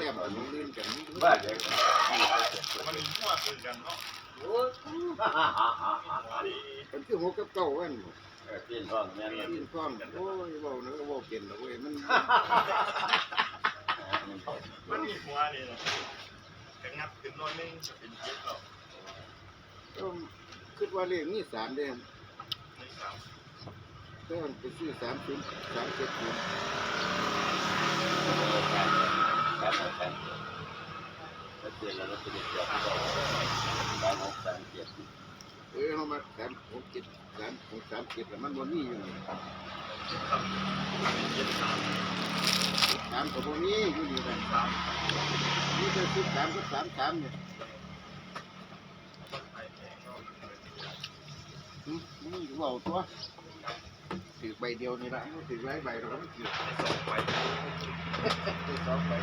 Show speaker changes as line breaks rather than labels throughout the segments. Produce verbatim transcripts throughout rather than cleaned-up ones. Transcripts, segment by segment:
ต้มมันลื่นกัน
บ้านเด็ก
มันมั่วคือกันเนาะ
มันคือหกกับเก้าวัน
เออกินท้องแม่นเลย
กินพร้อมกันโอ้ยเว้านะก็เว้าเป็นแล้วเว้ยมัน
มันมีหัวนี่นะกระงับขึ้นน้อยนึงจะเป็นเจ็ดหรอก
ก็คิดว่าเลขนี้สามเด้ง
ไม่สาม
ก็ไปซื้อสามศูนย์สามเจ็ดศูนย์
ครับครับแล้วเปลี่ยนแล้วก็เป็นเกี่ยวกับสามหกสามเจ็ด
เออเรามาสามหกเจ็ดสามหกสามเจ็ดแล้วมันบ่มีอยู่นี่
ครับเจ็ดสาม
สามกับบ่มีอยู่นี่กัน
สาม
นี่จะซื้อสามกับสามสามเนี่ย
ต้องไปแพงก็
อืมมึงเว้าตัวถือใบเดียวนี่ละถือหลายใบเราก็ไม่ถือ
ในสองไป
ถือสองใบ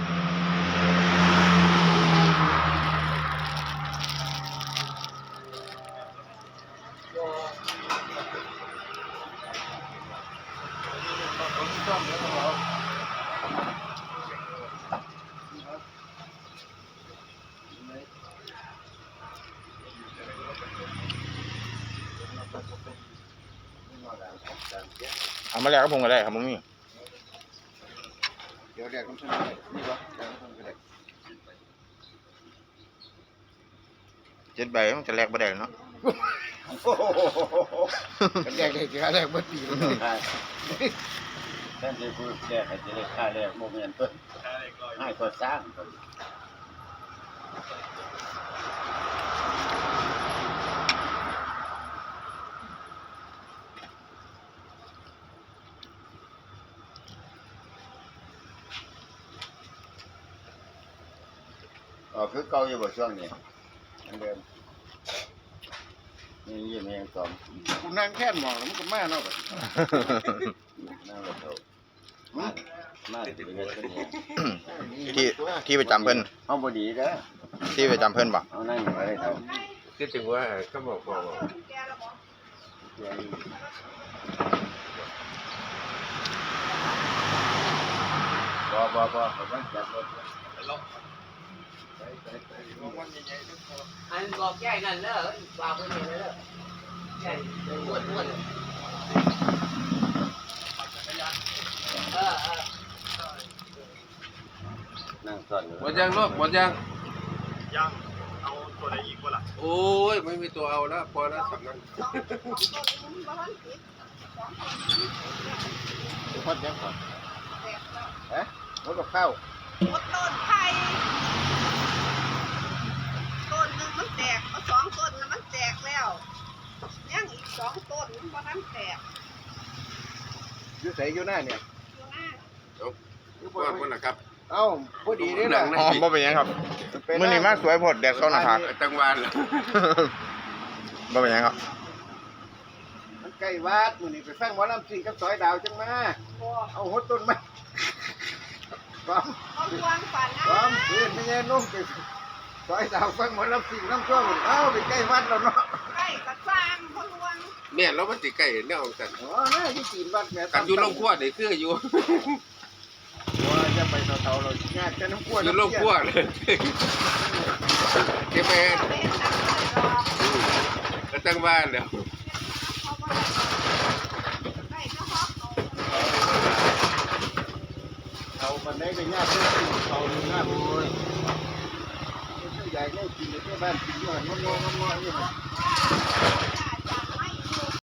เอามาแล้วก็ผมก็ได้ครับมึงนี่
เดี๋ยวแรกต้องทำอะไรนี่วะแรกต้องทำอะไร
เจ็ดใบมันจะแลกบ่ได้เนาะ
แรกเลยจะแรกเมื่อปีแล้ว
แทนที่ผู้แรกจะได้ค่าแรกโมเมนต์เพิ่น
ค่าเล็กร้อย
ให้ก็สร้างอ๋อคือเก่าอยู่บ่ช่วงนี้อันเดิมนี่ยี่แมงสอง
กูนั่งแค่มองแล้วมันก็มาเนาะ
นั่งรถเอามามาถึงเงินเป็นยัง
ที่ที่ไปจำเพิ่น
เอาบ่ดีเด้อ
ที่ไปจำเพิ่นบ่
เอานั่งไว้เท่า
คิดถึงว่าก็บอกบอก
บ่บ่บ่ผมว่าจับรถ
ไปล็อกไปไปไปมองวันใหญ่ๆทุกคน
อันบอกใหญ่นั่นเด้อว่าเพิ่นนี่เด้อใหญ่อ้วนๆเออเออ
นั่งซ่อนอยู่
หมดยังลูกหมดยัง
ย่างเอาตัวใดอีกวะล่ะ
โอ้ยไม่มีตัวเอาแล้วพอแล้วสำนัก
พอดยังก่อนฮะรถกับข้าว
หมดต้นไผ่ต้นหนึ่งมันแตกมาสองต้นน่ะมันแตกแล้วยังอีกสองต้นมันบ่ทันแตก
อยู่ใส่อยู่หน้าเนี่ย
อยู่หน้า
ก่อนคนนะครับ
เอ้าพอดีนี่นะ
อ๋อบ่เป็นหยังครับมื้อนี้มาสวยโพดแดดเข้าหน้าผาก
จังหวัด
บ่เป็นหยังครับ
มันใกล้วัดมื้อนี้ไปฟังหมอลำซิ่งกับซอยดาวจังมา
บ่
เอาหดต้นไม้ความ
เอาควางฝัน
ค
นะ
วามเพื่อนไม่ใช่นุ่มไปซอยดาวฟังหมอลำซิ่งน้ำท่วมเอ้าไปใกล้วัดแล้วเนาะ
ใกล้กระสร้างพลวง
เนี่ยเรามันติใกล้เนี่ยของกัน
อ๋อน่าที่จีนวัดแม่
กันอยู่โรงครัวนี่คืออยู่
ว่าจะไปเท่าๆเราญาติกันน้ำกล้วย
อยู่โรงครัวเลยเก็บไป
เอาไปตักเลยดอก
ก็จังหวัดแล้ว
เขาบ่ได้ใกล้เจ้าฮอกเอา
เอาบันไดไปญาติเพื่อนเขาดูหน้าโอ้ยใหญ่แน่กินในบ้านกินด้วยงองงองงออยู่
เอา